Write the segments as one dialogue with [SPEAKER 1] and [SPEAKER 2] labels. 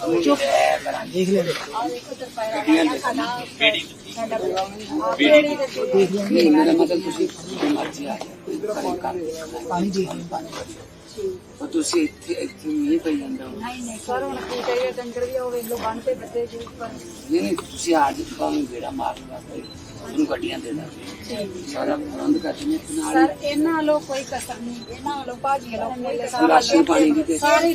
[SPEAKER 1] ਚੁੱਪ ਦੇਖ ਲੈ
[SPEAKER 2] ਨਹੀਂ ਮੇਰਾ ਮਤਲਬ ਤੁਸੀਂ ਮਰਜ਼ੀ ਆ ਜਾਓ
[SPEAKER 1] ਪਾਣੀ ਦੇਖ ਲੈ ਪਾਣੀ
[SPEAKER 2] ਉਹ ਤੁਸੀਂ ਇੱਥੇ ਨਹੀਂ ਪਈ ਜਾਂਦਾ
[SPEAKER 3] ਨਹੀਂ ਸਰ ਹੁਣ ਕੀ ਕਰੀਏ ਡੰਗਰ ਵੀ ਉਹ ਵੇਖ ਲੋ ਬੰਨ ਤੇ ਬੱਦੇ ਜੀ ਉੱਪਰ
[SPEAKER 2] ਨਹੀਂ ਤੁਸੀਂ ਆ ਜੀ ਬਾਹਰ ਗੇੜਾ ਮਾਰ ਲਓ ਉਹਨੂੰ ਗੱਡੀਆਂ ਦੇ ਦਾਂਗੇ ਸਾਰਾ ਪ੍ਰਬੰਧ ਕਰ ਦਿੰਦੇ ਨਾਲ
[SPEAKER 3] ਸਰ ਇਹਨਾਂ ਵੱਲੋਂ ਕੋਈ ਕਸਰ ਨਹੀਂ ਇਹਨਾਂ ਵੱਲੋਂ ਭਾਜੀ ਵੱਲੋਂ ਕੋਈ
[SPEAKER 2] ਰਾਸ਼ਨ ਪਾਣੀ ਦੀ ਤੇ
[SPEAKER 3] ਸਾਰੇ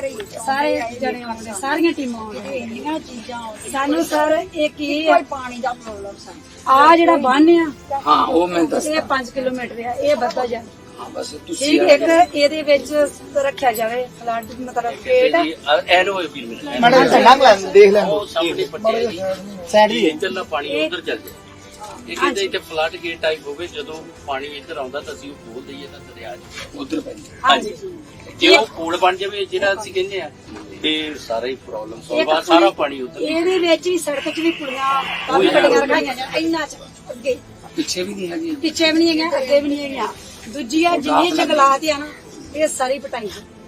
[SPEAKER 3] ਜਣੇ ਆਉਂਦੇ ਸਾਰੀਆਂ ਟੀਮਾਂ ਆਉਂਦੀਆਂ ਇੰਨੀਆਂ ਚੀਜ਼ਾਂ ਆਉਂਦੀਆਂ ਸਾਨੂੰ ਸਰ ਇੱਕ ਇਹ ਹੈ ਪਾਣੀ ਦਾ ਪ੍ਰੋਬਲਮ ਸਾਨੂੰ ਆ ਜਿਹੜਾ ਬੰਨ ਆ
[SPEAKER 2] ਹਾਂ ਉਹ ਮੈਂ ਦੱਸ
[SPEAKER 3] ਇਹ 5 ਕਿਲੋਮੀਟਰ ਆ ਇਹ ਵੱਧਾ ਜਾਂਦਾ
[SPEAKER 2] ਹਾਂ ਬਸ ਤੁਸੀਂ
[SPEAKER 3] ਠੀਕ ਇੱਕ ਇਹਦੇ ਵਿੱਚ ਰੱਖਿਆ ਜਾਵੇ ਫਲੱਡ ਮਤਲਬ ਪੇਟ
[SPEAKER 4] ਐਰੋ ਵੀ ਮਿਲਦਾ
[SPEAKER 1] ਮੜਾ ਚੱਲਾਂ ਦੇਖ ਲੈ
[SPEAKER 4] ਉਹ ਸਾਹਮਣੇ ਪੱਟਿਆ ਜੀ
[SPEAKER 1] ਸਾਈਡ ਦੀ
[SPEAKER 4] ਇੱਧਰਲਾ ਪਾਣੀ ਉਧਰ ਚੱਲ ਜਾਏ ਇਹ ਕਹਿੰਦੇ ਇੱਥੇ ਫਲੱਡ ਗੇਟ ਟਾਈਪ ਹੋਵੇ ਜਦੋਂ ਪਾਣੀ ਇੱਧਰ ਆਉਂਦਾ ਤਾਂ ਅਸੀਂ ਉਹ ਖੋਲ ਦਈਏ ਤਾਂ ਦਰਿਆ ਚ
[SPEAKER 2] ਉਧਰ ਪੈਂਦੀ
[SPEAKER 4] ਹਾਂਜੀ ਜੇ ਉਹ ਪੁਲ ਬਣ ਜਾਵੇ ਜਿਹੜਾ ਅਸੀਂ ਕਹਿੰਦੇ ਆ ਇਹ ਸਾਰਾ ਹੀ ਪ੍ਰੋਬਲਮ ਸੋਲਵ ਸਾਰਾ ਪਾਣੀ ਉਧਰ
[SPEAKER 3] ਇਹਦੇ ਵਿੱਚ ਵੀ ਸੜਕ 'ਚ ਵੀ ਕੁੜੀਆਂ ਕਾਫੀ ਬੜੀਆਂ ਰਖਾਈਆਂ ਜਾਂ ਇੰਨਾ ਚ ਅੱਗੇ
[SPEAKER 2] ਪਿੱਛੇ ਵੀ ਨਹੀਂ ਹੈਗੀ
[SPEAKER 3] ਪਿੱਛੇ ਵੀ ਨਹੀਂ ਹੈਗਾ ਅੱਗੇ ਵੀ ਨਹੀਂ ਹੈਗਾ ਦੂਜੀ ਆ ਜਿੰਨੀ ਜੰਗਲਾਤ ਆ ਨਾ ਇਹ ਸਾਰੀ ਪਟਾਈ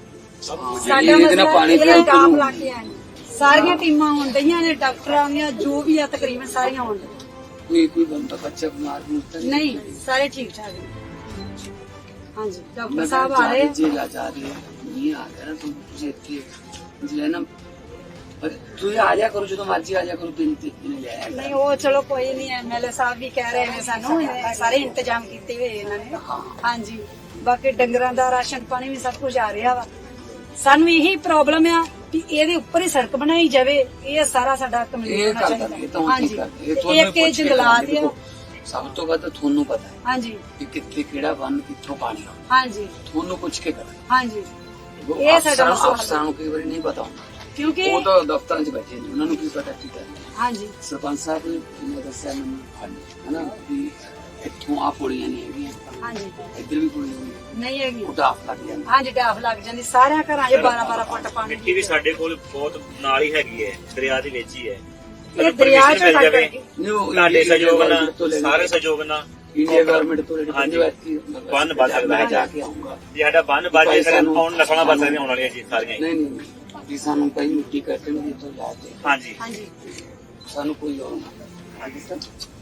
[SPEAKER 3] ਸਾਡਾ
[SPEAKER 2] ਇਹਦੇ ਨਾਲ ਪਾਣੀ
[SPEAKER 3] ਮਸਲਾ ਡਾਮ ਲਾ ਕੇ ਆਏ ਸਾਰੀਆਂ ਟੀਮਾਂ ਆਉਣ ਡਈਆਂ ਨੇ ਡਾਕਟਰਾਂ ਦੀਆਂ ਜੋ ਵੀ ਆ ਤਕਰੀਬਨ ਸਾਰੀਆਂ ਆਉਣ ਡਈਆਂ
[SPEAKER 2] ਕੋਈ ਬੰਦਾ ਬੱਚਾ ਬਿਮਾਰ
[SPEAKER 3] ਨਹੀਂ ਸਾਰੇ ਠੀਕ ਠਾਕ ਨੇ ਹਾਂਜੀ ਡਾਕਟਰ ਸਾਹਿਬ ਆ ਰਹੇ
[SPEAKER 2] ਜੀ ਲਾ ਜਾ ਰਹੇ ਨਹੀਂ ਆ ਰਿਹਾ ਤੁਸੀਂ ਇੱਥੇ ਜਿਹੜਾ ਨਾ ਪਰ ਤੁਸੀਂ ਆ ਜਾ ਕਰੋ ਜਦੋਂ ਮਰਜ਼ੀ ਆ ਜਾ ਕਰੋ ਦਿਨ ਤੇ ਲੈ
[SPEAKER 3] ਨਹੀਂ ਉਹ ਚਲੋ ਕੋਈ ਨਹੀਂ ਐਮਐਲਏ ਸਾਹਿਬ ਵੀ ਕਹਿ ਰਹੇ ਨੇ ਸਾਨੂੰ ਇਹ ਸਾਰੇ ਇੰਤਜ਼ਾਮ ਕੀਤੇ ਹੋਏ ਇਹਨਾਂ ਨੇ ਹਾਂਜੀ ਬਾਕੀ ਡੰਗਰਾਂ ਦਾ ਰਾਸ਼ਨ ਪਾਣੀ ਵੀ ਸਭ ਕੁਝ ਆ ਰਿਹਾ ਵਾ ਸਾਨੂੰ ਇਹੀ ਪ੍ਰੋਬਲਮ ਆ ਕਿ ਇਹਦੇ ਉੱਪਰ ਹੀ ਸੜਕ ਬਣਾਈ ਜਾਵੇ ਇਹ ਸਾਰਾ ਸਾਡਾ ਕੰਪਲੀਟ ਹੋਣਾ ਚਾਹੀਦਾ ਹਾਂਜੀ ਇੱਕ ਇਹ ਜੰਗਲਾਤ ਆ
[SPEAKER 2] ਸਭ ਤੋਂ ਵੱਧ ਤੁਹਾਨੂੰ ਪਤਾ ਹੈ
[SPEAKER 3] ਹਾਂਜੀ
[SPEAKER 2] ਕਿ ਕਿੱਥੇ ਕਿਹੜਾ ਬੰਨ ਕਿੱਥੋਂ ਪਾਣੀ ਆਉਂਦਾ
[SPEAKER 3] ਹਾਂਜੀ
[SPEAKER 2] ਤੁਹਾਨੂੰ ਪੁੱਛ ਕੇ ਕਰਨਾ
[SPEAKER 3] ਹਾਂਜੀ ਇਹ ਸਾਡਾ ਮਸਲਾ
[SPEAKER 2] ਅਫਸਰਾਂ ਨੂੰ ਕਈ ਵਾਰੀ ਨਹੀਂ ਪਤਾ ਹੁੰਦਾ
[SPEAKER 3] ਕਿਉਂਕਿ
[SPEAKER 2] ਉਹ ਤਾਂ ਦਫ਼ਤਰਾਂ 'ਚ ਬੈਠੇ ਨੇ ਉਹਨਾਂ ਨੂੰ ਕੀ ਪਤਾ ਕੀ ਕਰਨਾ
[SPEAKER 3] ਹਾਂਜੀ
[SPEAKER 2] ਸਰਪੰਚ ਸਾਹਿਬ ਨੇ ਦੱਸਿਆ ਮੈਨੂੰ ਹਨਾ ਵੀ ਇੱਥੋਂ ਆ ਪੁੜੀਆਂ ਨਹੀਂ ਹੈਗੀਆਂ
[SPEAKER 3] ਹਾਂਜੀ
[SPEAKER 2] ਇੱਧਰ ਵੀ ਪੁੜੀਆਂ ਨਹੀਂ
[SPEAKER 3] ਨਹੀਂ ਹੈਗੀ
[SPEAKER 2] ਉਹ ਡਾਫ ਲੱਗ ਜਾਂਦਾ
[SPEAKER 3] ਹਾਂਜੀ ਡਾਫ ਲੱਗ ਜਾਂਦੀ ਸਾਰਿਆਂ ਘਰਾਂ 'ਚ 12-12 ਫੁੱਟ ਪਾਣੀ
[SPEAKER 5] ਮਿੱਟੀ ਵੀ ਸਾਡੇ ਕੋਲ ਬਹੁਤ ਨਾਲ ਹੀ ਹੈਗੀ ਹੈ ਦਰਿਆ ਦੇ ਵਿੱਚ ਹੀ ਹੈ
[SPEAKER 3] ਇਹ ਦਰਿਆ 'ਚ
[SPEAKER 5] ਮਿਲ ਜਾਵੇ
[SPEAKER 2] ਨਹੀਂ ਉਹ
[SPEAKER 5] ਤੁਹਾਡੇ ਸਹਿਯੋਗ ਨਾਲ
[SPEAKER 2] ਤੋਂ ਲੈਣਾ।
[SPEAKER 5] ਸਾਰੇ ਸਹਿਯੋਗ ਨਾਲ
[SPEAKER 2] ਇੰਡੀਆ ਗਵਰਨਮੈਂਟ ਤੋਂ ਲੈਣੀ
[SPEAKER 5] ਹਾਂਜੀ।
[SPEAKER 2] ਪੈਂਦੀ
[SPEAKER 5] ਬੰਨ ਵੱਧ ਸਕਦਾ
[SPEAKER 2] ਮੈਂ
[SPEAKER 5] ਹੈ।
[SPEAKER 2] ਜਾ ਕੇ ਆਉਂਗਾ
[SPEAKER 5] ਜੇ ਸਾਡਾ ਬੰਨ ਵੱਜ ਜਾਏ ਫਿਰ ਆਉਣ ਨਸਲਾਂ ਬਚ ਸਕਦੀਆਂ ਆਉਣ ਵਾਲੀਆਂ ਜੀ ਸਾਰੀਆਂ ਹੀ।
[SPEAKER 2] ਨਹੀਂ ਨਹੀਂ ਜੀ ਸਾਨੂੰ ਕਈ ਮਿੱਟੀ ਕੱਟਣ ਦੀ ਤੋਂ ਲਾ ਕੇ
[SPEAKER 5] ਹਾਂਜੀ
[SPEAKER 3] ਹਾਂਜੀ
[SPEAKER 2] ਸਾਨੂੰ ਕੋਈ ਹੋਰ ਨਾ ਹਾਂਜੀ ਸਰ